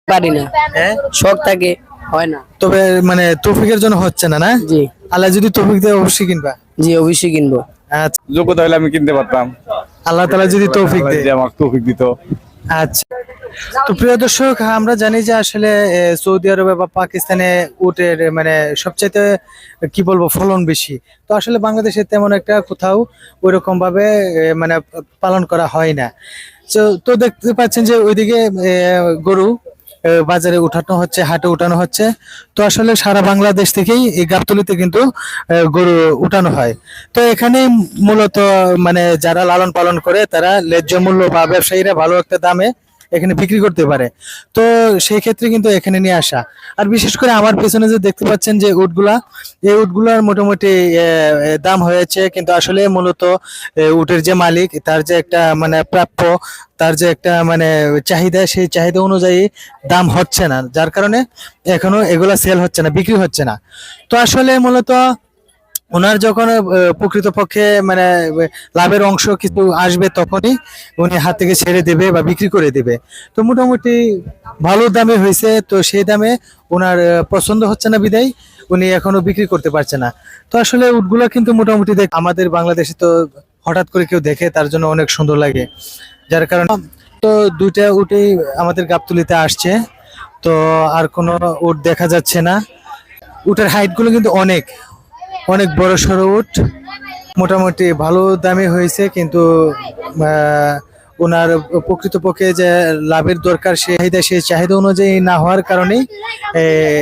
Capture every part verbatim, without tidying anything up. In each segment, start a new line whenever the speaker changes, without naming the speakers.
পারি না।
হ্যাঁ,
শখ থাকে, হয় না।
তবে মানে তৌফিকের জন্য হচ্ছে না না?
জি
আল্লাহ যদি তৌফিক দেয় অবশ্যই কিনবা।
জি অবশ্যই কিনবো।
আচ্ছা,
যোগ্যতা হলে আমি কিনতে পারতাম,
আল্লাহ তাআলা যদি তৌফিক
আল্লাহ
দেয়।
যদি আমাকে তৌফিক দিত।
আচ্ছা, তো প্রিয় দর্শক, আমরা জানি যে আসলে এ, সৌদি আরবে বা পাকিস্তানে উটের মানে সবচাইতে কি বলবো ফলন বেশি। তো আসলে বাংলাদেশে তেমন একটা কোথাও ওইরকম ভাবে এ, মানে পালন করা হয় না। তো তো দেখতে পাচ্ছেন যে ওইদিকে এ, গরু এ, বাজারে উঠানো হচ্ছে, হাটে উঠানো হচ্ছে। তো আসলে সারা বাংলাদেশ থেকেই এই গাবতলীতে কিন্তু এ, গরু উঠানো হয়। তো এখানে মূলত মানে যারা লালন পালন করে তারা ন্যায্য মূল্য বা ব্যবসায়ীরা ভালো একটা দামে এখানে বিক্রি করতে পারে। তো সেই ক্ষেত্রে কিন্তু এখানে নিয়ে আসা। আর বিশেষ করে আমার পেছনে যে দেখতে পাচ্ছেন যে উটগুলা, এই উটগুলার মোটামুটি এ, এ, দাম হয়েছে, কিন্তু আসলে মূলত এ, উটের যে মালিক তার যে একটা মানে প্রাপ্য, তার যে একটা মানে চাহিদা, সেই চাহিদা অনুযায়ী দাম হচ্ছে না, যার কারণে এখনো এগুলা সেল হচ্ছে না, বিক্রি হচ্ছে না। তো আসলে মূলত ওনার যখন আহ, প্রকৃতপক্ষে মানে আহ, লাভের অংশ কিছু আসবে তখনই উনি হাত থেকে ছেড়ে দেবে বা বিক্রি করে দেবে। তো মোটামুটি ভালো দামে হয়েছে, তো সেই দামে ওনার আহ, পছন্দ হচ্ছে না বিদায় উনি এখনো বিক্রি করতে পারছে না। তো আসলে উটগুলো কিন্তু মোটামুটি দেখ আমাদের বাংলাদেশে তো হঠাৎ করে কেউ দেখে তার জন্য অনেক সুন্দর লাগে, যার কারণে তো দুইটা উটেই আমাদের গাবতলীতে আসছে। তো আর কোনো উট দেখা যাচ্ছে না। উটের হাইট গুলো কিন্তু অনেক অনেক বড় সড়ো উট, মোটামুটি ভালো দামে হয়েছে, কিন্তু আহ, ওনার প্রকৃতপক্ষে যে লাভের দরকার সেই চাহিদা সেই চাহিদা অনুযায়ী না হওয়ার কারণেই এ,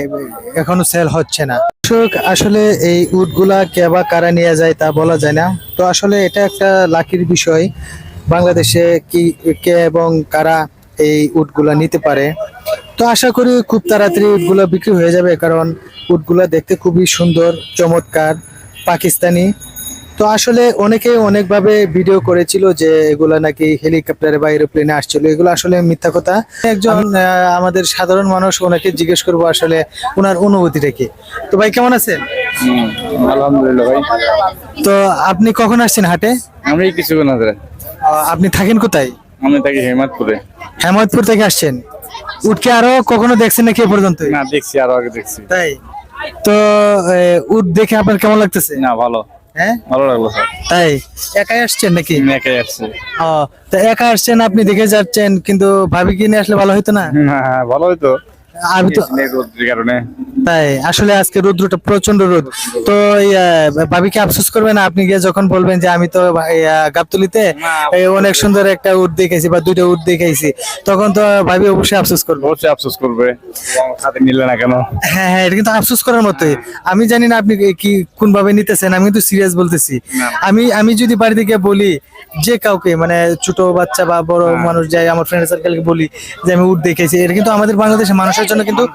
এখনো সেল হচ্ছে না। দর্শক, আসলে এই উটগুলা কে বা কারা নিয়ে যায় তা বলা যায় না। তো আসলে এটা একটা লাকির বিষয়, বাংলাদেশে কি কে এবং কারা এই উটগুলা নিতে পারে। তো আশা করি খুব তাড়াতাড়ি উটগুলা বিক্রি হয়ে যাবে, কারণ উটগুলা দেখতে খুবই সুন্দর, চমৎকার, পাকিস্তানি। তো আসলে অনেকে অনেকভাবে ভিডিও করেছিল যে এগুলা নাকি হেলিকপ্টারে বা এরোপ্লেনে আসছিল, এগুলো আসলে মিথ্যা কথা। একজন আহ, আমাদের সাধারণ মানুষ, ওনাকে জিজ্ঞেস করবো আসলে ওনার অনুভূতিটা কি। তো ভাই কেমন আছেন?
হুম, আলহামদুলিল্লাহ ভাই।
তো আপনি কখন আসছেন হাটে?
আমি কিছুক্ষণ আগে,
আহ, আপনি থাকেন কোথায়?
আমি থাকি হেমাদপুরে।
হেমায়তপুর থেকে আসছেন। উটকে আরো কখনো দেখছেন নাকি এ পর্যন্ত?
না, দেখছি, আরো আগে দেখছি।
তাই? তো আহ, উট দেখে আপনার কেমন লাগতেছে?
না, ভালো,
হ্যাঁ,
ভালো লাগলো স্যার।
তাই একাই আসছেন নাকি?
আমি একাই আসছি।
ও, তো একা আসছেন, আপনি দেখে যাচ্ছেন, কিন্তু ভাবি কি নিয়ে আসলে ভালো হতো না?
হ্যাঁ, ভালো হইতো,
আমি তো
রোদ্রের কারণে।
তাই, আসলে আজকে রোদ্রটা প্রচন্ড রোদ। তো এই, আহ, ভাবি কি আফসোস করবে না আপনি গিয়ে যখন বলবেন যে আমি তো এই, আহ, গাবতলীতে এই অনেক সুন্দর একটা উট দেখেছি বা দুইটা উট দেখেছি, তখন তো ভাবি অবশ্যই আফসোস করবে।
অবশ্যই আফসোস করবে, সাথে নিলে না কেন?
হ্যাঁ হ্যাঁ, এটা কিন্তু আফসোস করার মতোই। আমি জানি না আপনি কি কোন ভাবে নিতেছেন, আমি কিন্তু সিরিয়াস বলতেছি। আমি আমি যদি বাড়ি থেকে বলি যে কাউকে, মানে ছোট বাচ্চা বা বড় মানুষ যাই, আমার ফ্রেন্ড সার্কেলকে বলি যে আমি উট দেখেছি, এটা কিন্তু আমাদের বাংলাদেশের মানুষের জন্য কিন্তু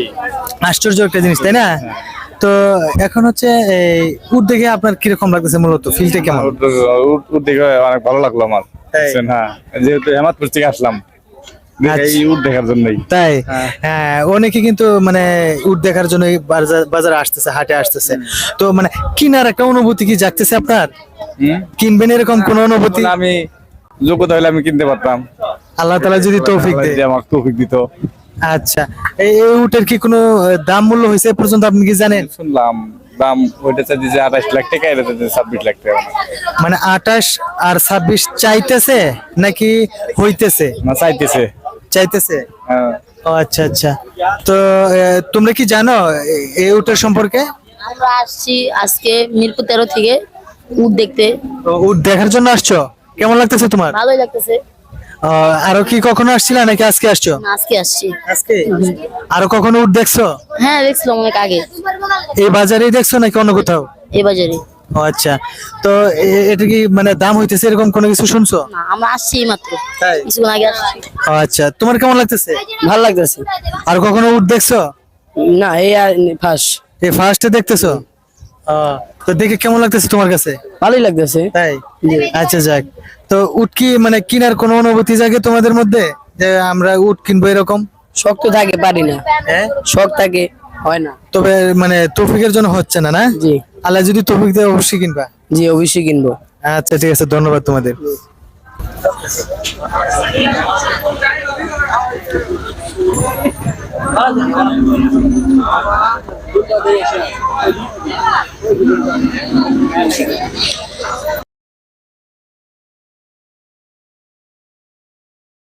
আশ্চর্য একটা জিনিস, তাই না? তো এখন হচ্ছে এই উট দেখে আপনার কিরকম লাগতেছে, মূলত ফিলটা কেমন?
উট উট- উট দেখে অনেক ভালো লাগলো আমার।
তাই?
বুঝছেন? হ্যাঁ, যেহেতু হেমাদপুর থেকে আসলাম দেখে
আচ্ছা।
এই উট দেখার জন্যই।
তাই?
হ্যাঁ।
হ্যাঁ, অনেকে কিন্তু মানে উট দেখার জন্য বাজার বাজারে আসতেছে, হাটে আসতেছে। তো মানে কিনার একটা অনুভূতি কি জাগতেছে আপনার?
হুম?
কিনবেন এরকম কোন অনুভূতি?
বলে আমি যোগ্যতা হলে আমি কিনতে পারতাম,
আল্লাহ তাআলা যদি তৌফিক
আল্লাহ
দেয়।
যদি আমাকে তৌফিক দিত।
আচ্ছা, এই এই উটের কি কোনো আহ, দাম মূল্য হয়েছে এ পর্যন্ত, আপনি কি জানেন?
শুনলাম দাম ওইটা চাইছে যে আঠাশ লাখ টাকা, এটা চাইছে ছাব্বিশ লাখ টাকা।
মানে আঠাশ আর ছাব্বিশ চাইতেছে নাকি হইতেছে?
না, চাইতেছে।
চাইতেছে।
হ্যাঁ।
ও আচ্ছা আচ্ছা। তো আহ, তোমরা কি জানো এ- এই উটের সম্পর্কে?
আমরা আসছি আজকে মিরপুর তেরো থেকে উট দেখতে।
তো উট দেখার জন্য আসছো, কেমন লাগতেছে তোমার?
ভালোই লাগতেছে।
আহ, আরো কি কখনো আসছিলা নাকি আজকে আসছো?
না, আজকে আসছি।
আজকে আরো কখনো উট দেখছো?
হ্যাঁ, দেখছিলাম অনেক আগে
এই বাজারেই দেখছো নাকি অন্য কোথাও?
এই বাজারে।
ও আচ্ছা। তো এ- এটা কি মানে দাম হইতেছে এরকম কোনো কিছু শুনছো?
না, আমরা আসছি মাত্র
তাই?
কিছুক্ষণ আগে আসছি।
ও আচ্ছা, তোমার কেমন লাগতেছে?
ভালো লাগতেছে।
আর কখনো উট দেখছো?
না, এই আর ফাঁস।
এই ফার্স্টে দেখতেছো? ও, তো দেখে কেমন লাগতেছে তোমার কাছে?
ভালোই লাগতেছে।
তাই? আচ্ছা, যাক। তো উট কি মানে কিনার কোনো অনুভূতি জাগে তোমাদের মধ্যে যে আমরা উট কিনবো এরকম?
শখ তো থাকে, পারি না।
হ্যাঁ,
শখ থাকে, হয় না।
তবে মানে তৌফিকের জন্য হচ্ছে না না?
জি
আল্লাহ যদি তৌফিক দেয় অবশ্যই কিনবা।
জি অবশ্যই কিনবো।
আচ্ছা, ঠিক আছে, ধন্যবাদ তোমাদের। ভালো